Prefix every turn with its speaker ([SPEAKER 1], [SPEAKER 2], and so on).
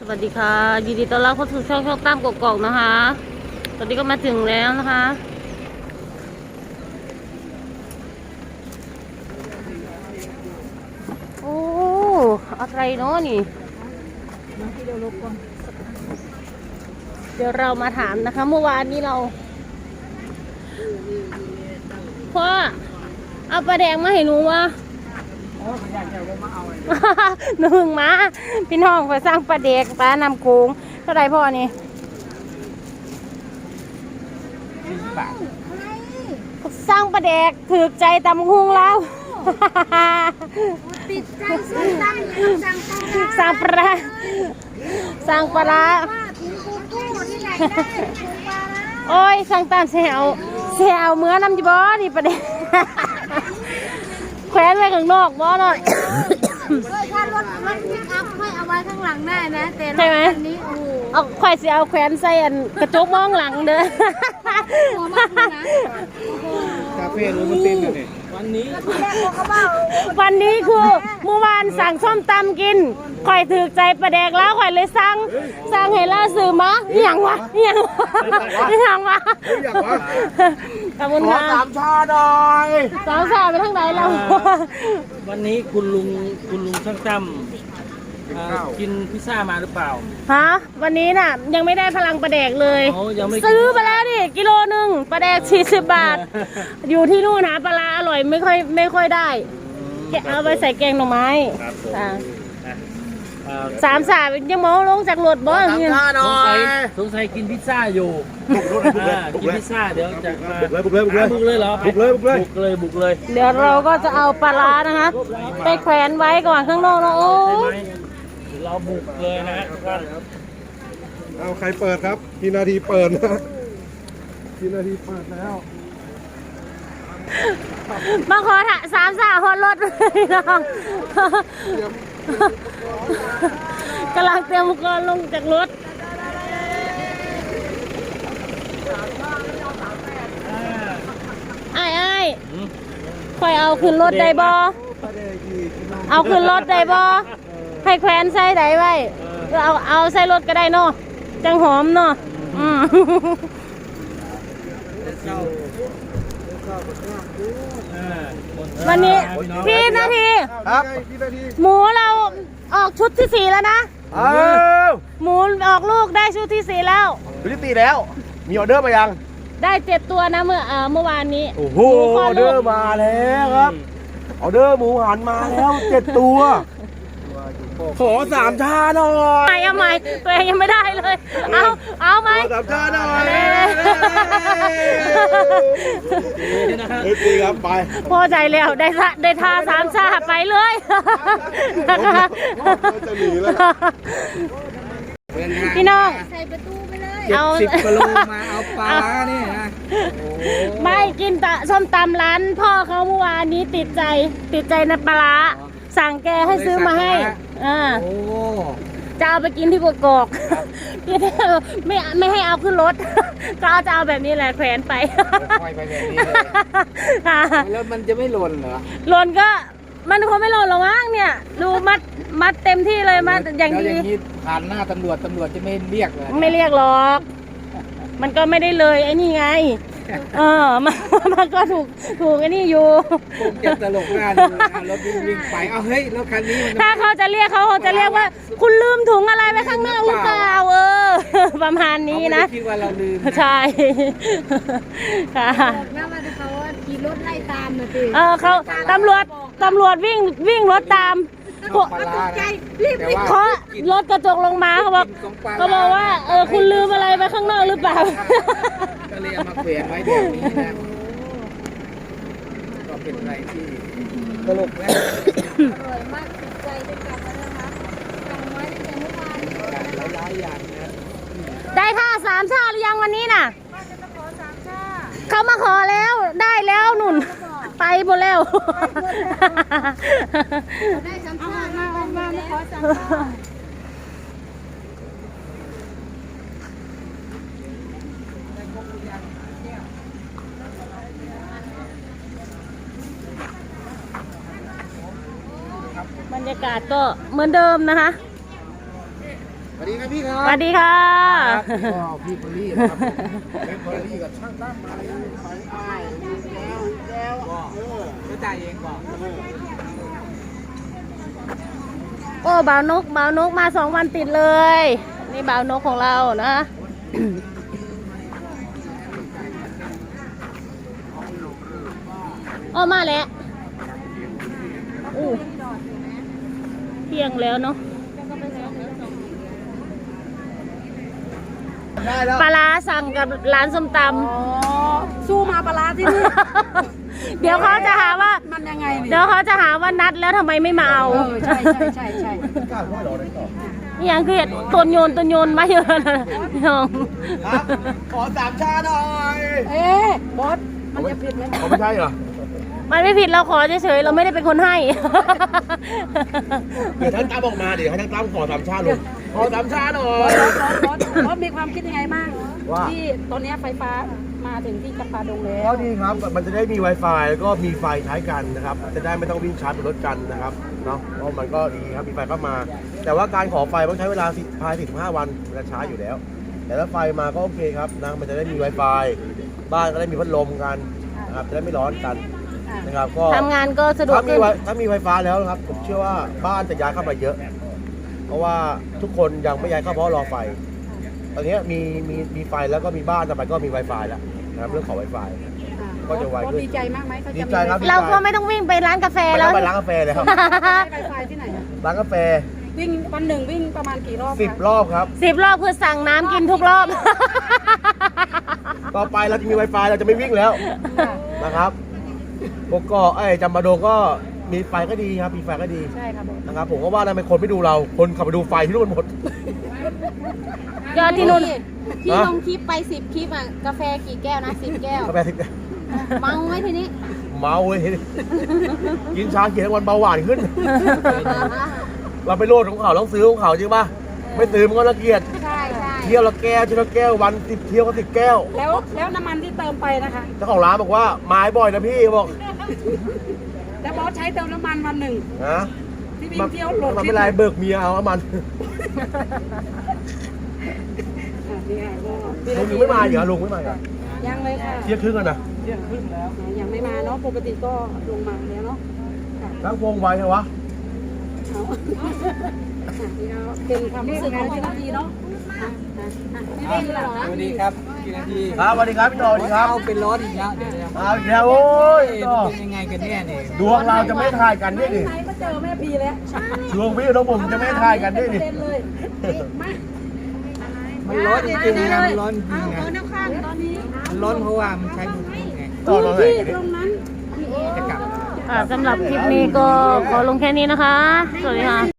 [SPEAKER 1] วัสดีค่ะยินดีต้อนรับเข้าสู่ช่องตามกกอกนะคะตอนนี้ก็มาถึงแล้วนะคะโอ้อะไรเนาะนี่เดี๋ยวเรามาถามนะคะเมื่อวานนี้เราพ่อเอาปลาแดงมาให้หนูวะหนึ่งมาพี่น้องไปสร้างปลาเด็กปลานำโกงเท่าไรพ่อนี่
[SPEAKER 2] 40 บาท
[SPEAKER 1] สร้างปลาเด็กถือใจตำหุงแล้ว
[SPEAKER 3] ติดใจซื้อตั้ง
[SPEAKER 1] สร้างปลาสร้างปลา
[SPEAKER 3] ถึงกูกู้ที่ไหนได้ถึงปลา
[SPEAKER 1] โอ้ยสร้างตามเสียวเมื่อน้ำจีบอนี่ปลาเด็กแขวนไว้ข้างนอกบ่หน่อย
[SPEAKER 3] ถ้ารถพิกอัพให้เอาไว้ข้างหลังได้นะแต่รถคันนี้โอ้
[SPEAKER 1] เอาข่อยสิเอาแขวนใส่อันกระจกมองหลังเด้อ
[SPEAKER 3] หัวมากเลยนะ
[SPEAKER 2] คาเฟ่รู้มันเต้นกันเนี่ยวันนี้
[SPEAKER 1] คือเมื่อวานสั่งส้มตำกินข่อยถือใจปลาแดกแล้วข่อยเลยสั่งให้ล่าซื้อมาอย่างวะขอบคุณค่ะ
[SPEAKER 2] สามชาหน่อย
[SPEAKER 1] สาวสาวไปทางไหนเรา
[SPEAKER 4] วันนี้คุณลุงช่างตั้มกินพิซซ่ามาหรือเปล่า
[SPEAKER 1] ฮะวันนี้น่ะยังไม่ได้พลังปลาแดกเลยซื้อไปแล้วดิกิโลนึงปลาแดก40 บาทอยู่ที่นู่นนะปลาอร่อยไม่ค่อยได้เอาไปใส่แกงหน่อไม้สามสาวยังมองลงจากรถบ่
[SPEAKER 4] สงสัยกินพิซซ่าอยู่กินพิซซ่าเดี๋ยวจะบุกเลยเหรอบุกเลย
[SPEAKER 1] เดี๋ยวเราก็จะเอาปลานะคะไปแขวนไว้ก่อนข้างนอกนะโอ้
[SPEAKER 4] เราบุกเลยนะทุกท่าน
[SPEAKER 2] เอาใครเปิดครับกี่นาทีเปิดนะกี่นาทีเปิดแล้ว
[SPEAKER 1] มาขอสามสาวฮอดรถเลยน้องกำลังเตรียมอุปกรณ์ลงจากรถไอ้คอยเอาขึ้นรถได้บ่เอาขึ้นรถได้บ่ให้แขวนใส่ได้ไว้เอาใส่รถก็ได้เนาะจังหอมเนาะวันนี้พี่นาที
[SPEAKER 2] ครับ
[SPEAKER 1] หมูเราออกชุดที่4แล้วนะหมูออกลูกได้ชุดที่4แล้ว
[SPEAKER 2] ชุดที่4แล้วมีออเดอร์มายัง
[SPEAKER 1] ได้7 ตัวนะเมื่อวานนี้
[SPEAKER 2] โอ้โหออเดอร์มาแล้วครับออเดอร์หมูหันมาแล้ว7 ตัวขอ3 ชาหน่อย
[SPEAKER 1] เอาใหม่ตัวเองยังไม่ได้เลยเอาไหม
[SPEAKER 2] 3 ชาหน่อยดีครับไป
[SPEAKER 1] พอใจแล้วได้ทา3 ชาไปเลย
[SPEAKER 2] จะหนีแล้ว
[SPEAKER 1] พี่น้อง
[SPEAKER 3] ใส่ประตูไปเลย
[SPEAKER 4] เอา10 กิโลมาเอาปลาเนี่ยนะ
[SPEAKER 1] ไม่กินส้มตำร้านพ่อเขาเมื่อวานนี้ติดใจในปลาสั่งแกให้ซื้อมาให้จะเอาไปกินที่กกอกไม่ให้เอาขึ้นรถก็จะเอาแบบนี้แหละแขวนไป
[SPEAKER 4] แบบนี้เลยแล้วมันจะไม่หล่นเหรอ
[SPEAKER 1] หล่นก็มันคงไม่หล่นหรอกมั้งเนี่ยดูมัดเต็มที่เลยมัดอย่างดี
[SPEAKER 4] ผ่านหน้าตำรวจจะไม่เรียกเลย
[SPEAKER 1] ไม่เรียกหรอกมันก็ไม่ได้เลยไอ้นี่ไงมันก็ถูกไอ้นี่อยู่
[SPEAKER 4] ผมจะตลกหน้าดูนะรถวิ่งไปเอาเฮ้ยรถคันนี้
[SPEAKER 1] ถ้าเขาจะเรียกว่าคุณลืมถุงอะไรไว้ข้างนอกหรือเปล่าประมาณนี้นะ
[SPEAKER 4] คิดว่าเราลืม
[SPEAKER 1] ใช่ค่ะ
[SPEAKER 3] น่าว่าเขาขี่รถไล่ตามนะสิ
[SPEAKER 1] เขาตำรวจวิ่งรถตามเขารถกระจกลงมาเขาบอกว่าคุณลืมอะไรไว้ข้างนอกหรือเปล่า
[SPEAKER 4] ก็เลยเอามาเปลี่ยนไว้แบบนี้นะก็เป็นอะไรที่ตลกนะ
[SPEAKER 3] อร่อยมากติดใจได้กลับมาแล้วนะคะสั่งไว้ตั้งแต่เมื่อวาน
[SPEAKER 4] หลายอย่างนะ
[SPEAKER 1] ได้ท่า3 ชาหรือยังวันนี้น่ะเขามาขอแล้วได้แล้วหนุนไปหมดแล้ว
[SPEAKER 3] ได้3 ชามาไม่ขอ3 ชา
[SPEAKER 1] บรรยากาศก็เหมือนเดิมนะคะ
[SPEAKER 4] บร
[SPEAKER 2] ดีครับพี่ครับ
[SPEAKER 1] สวัสดีค่ะ
[SPEAKER 2] ก็พี่พอลลี่นะครับเป็นพอลลี่กับช่างตั้มมาแล้วไปแล้วก็จ่ายเองก่อน
[SPEAKER 1] โอ้บ่าวนกมา2 วันติดเลย นี่บ่าวนกของเรานะ โอ้มาแล้วอู้เที่ยงแล้วเนาะ
[SPEAKER 2] ได้แล้ว
[SPEAKER 1] ปลาร้าสั่งกับร้านส้มต
[SPEAKER 3] สู้มาปลาร้าที่นี่
[SPEAKER 1] ำ เดี๋ยวเขาจะหาว่า
[SPEAKER 3] มันยังไงนี่
[SPEAKER 1] เดี๋ยวเขาจะหาว่านัดแล้วทำไมไม่มาเอา
[SPEAKER 3] ใช่
[SPEAKER 2] กล้าพ่อเราได้ต่อ
[SPEAKER 1] นี่ยังคือตนโยนมาเยอะนะพี่น้อง
[SPEAKER 2] ครับขอ3 ชาหน่อย
[SPEAKER 3] เอ๊ะบอสมันจะผิดไหม
[SPEAKER 2] เขาไม่ใช่เหรอ
[SPEAKER 1] มันไม่ผิดเราขอเฉยๆเราไม่ได้เป็นคนให้
[SPEAKER 2] เดี๋ยวท่านตั้มออกมาเดี๋ยวให้ท่านตั้มขอ3 ชาหน่อยขอ3 ชาหน่อย
[SPEAKER 3] บอสมีความคิดยังไงบ้าง
[SPEAKER 2] ว่า
[SPEAKER 3] ที่ตอนนี้ไฟฟ้ามาถึงที่จำปาดงแล้ว
[SPEAKER 2] ก็ดีครับ มันจะได้มี Wi-Fi แล้วก็มีไฟใช้กันนะครับ จะได้ไม่ต้องวิ่งชาร์จบนรถกันนะครับ เนาะเพราะมันก็ดีครับ มีไฟเข้ามา แต่ว่าการขอไฟต้องใช้เวลาภายใน15 วันเวลาช้าอยู่แล้ว แต่ถ้าไฟมาก็โอเคครับนะ มันจะได้มี Wi-Fi บ้านก็ได้มีพัดลมกันนะครับ จะได้ไม่ร้อนกันนะครับ ก็
[SPEAKER 1] ทำงานก็สะดวกขึ้น
[SPEAKER 2] ถ้ามีไฟฟ้าแล้วนะครับ ผมเชื่อว่าบ้านจะย้ายเข้ามาเยอะ เพราะว่าทุกคนยังไม่ย้ายเข้าเพราะรอไฟ ตอนนี้มีไฟแล้วก็มีบ้านต่อไปก็มี Wi-Fi แล้วนะครับเรื่องของ Wi-Fi ก็จะไวขึ้น
[SPEAKER 3] ดีใจมากไหมเขาจะ
[SPEAKER 2] ดีใจครับ
[SPEAKER 1] เราก็ไม่ต้องวิ่งไปร้านกาแฟ
[SPEAKER 2] ไม่
[SPEAKER 1] แล้
[SPEAKER 2] ต้
[SPEAKER 1] ว
[SPEAKER 2] องไปร้านกาแฟเลยครับ
[SPEAKER 3] ไฟฟ้าที่ไหนอะ
[SPEAKER 2] ร้านกาแฟ
[SPEAKER 3] วิ่งวันหนึ่งวิ่งประมาณกี่รอบคะ
[SPEAKER 2] 10 รอบครับ
[SPEAKER 1] 10 รอบคือสั่งน้ำกินทุกรอบ
[SPEAKER 2] ต่อไปเราจะมี Wi-Fi เราจะไม่วิ่งแล้วนะครับกกอกจำปาดงก็มีไฟก็ดีครับ มีไฟก็ดี
[SPEAKER 3] ใช่ครับบอส
[SPEAKER 2] นะครับ ผมก็ว่าทำไมคนไม่ดูเรา คนขับไปดูไฟที่นู่นหมด
[SPEAKER 1] ยอดที่นู่น
[SPEAKER 3] พี่ลงคลิปไป10 คลิปอ่ะกาแฟกี่แก้วนะ10 แก้ว
[SPEAKER 2] กาแฟทิพย์
[SPEAKER 3] เมาไหมทีนี้
[SPEAKER 2] เมาเว้ยกินชาเขียวทั้งวันเบาหวานขึ้น เราไปโลดของเขาต้องซื้อของเขาจริงป่ะ ไม่ซื้อมันก็ละเกียด
[SPEAKER 3] ใช่
[SPEAKER 2] เที่ยวละแก้วเที่ยวละแก้ววัน10 เที่ยวก็10 แก้ว
[SPEAKER 3] แล้วน้ำมันที่เติมไปนะคะ
[SPEAKER 2] เจ้าของร้านบอกว่าไม้บ่อยนะพี่บอก
[SPEAKER 3] แล้วบอสใช้เติมน้ำมันวันหนึ่ง
[SPEAKER 2] นะ
[SPEAKER 3] ที่วิ่งเที่ยวโหลด
[SPEAKER 2] มัน
[SPEAKER 3] คลิ
[SPEAKER 2] ไม่
[SPEAKER 3] ป
[SPEAKER 2] ไรเบิกเมียเอามัน
[SPEAKER 3] นี่ค่ะก็
[SPEAKER 2] ลุงยังไม่มาเหรอลุงไม่มาเหรอ
[SPEAKER 3] ยังเลยค่ะ
[SPEAKER 2] เที่ยงครึ่งกันนะ
[SPEAKER 3] ยังไม่มาเนาะปกติก็ลงมาแล้วเนาะค่ะ
[SPEAKER 2] ทั้งวงไวเหรอวะ
[SPEAKER 3] เอานี่ก็เป็นความรู้สึกของพี่นาทีเนาะไม่ได้เหรอ
[SPEAKER 4] สวัสดีครับกี่นาที
[SPEAKER 2] ครับสวัสดีครับพี่โตสวัสดีครับ
[SPEAKER 4] เอาเป็นร้อนอีกแล้วเดี๋ยวจะ
[SPEAKER 2] เอาอีกแล้วโอ้ย
[SPEAKER 4] เป็นยังไงกันเนี่ยเนี่ย
[SPEAKER 2] ดวงเราจะไม่ทายกันนี่ดิ
[SPEAKER 3] ไหนก็เจอแม่พีแล้ว
[SPEAKER 2] ดวงพี่น้องผมจะไม่ทายกันนี่ดิ
[SPEAKER 3] เต้นเลยมา
[SPEAKER 4] มันร้อนจริงๆนะมันร้อนจริงๆนะ
[SPEAKER 3] เอาน้ำข้างตอนนี้
[SPEAKER 4] มันร้อนเพราะว่ามันใช้บลูทูธไง
[SPEAKER 2] ต่อตอนไหน
[SPEAKER 3] ที่ตรงนั้น
[SPEAKER 4] จะกลับ
[SPEAKER 1] สำหรับคลิปนี้ก็ขอลงแค่นี้นะคะ สวัสดีค่ะ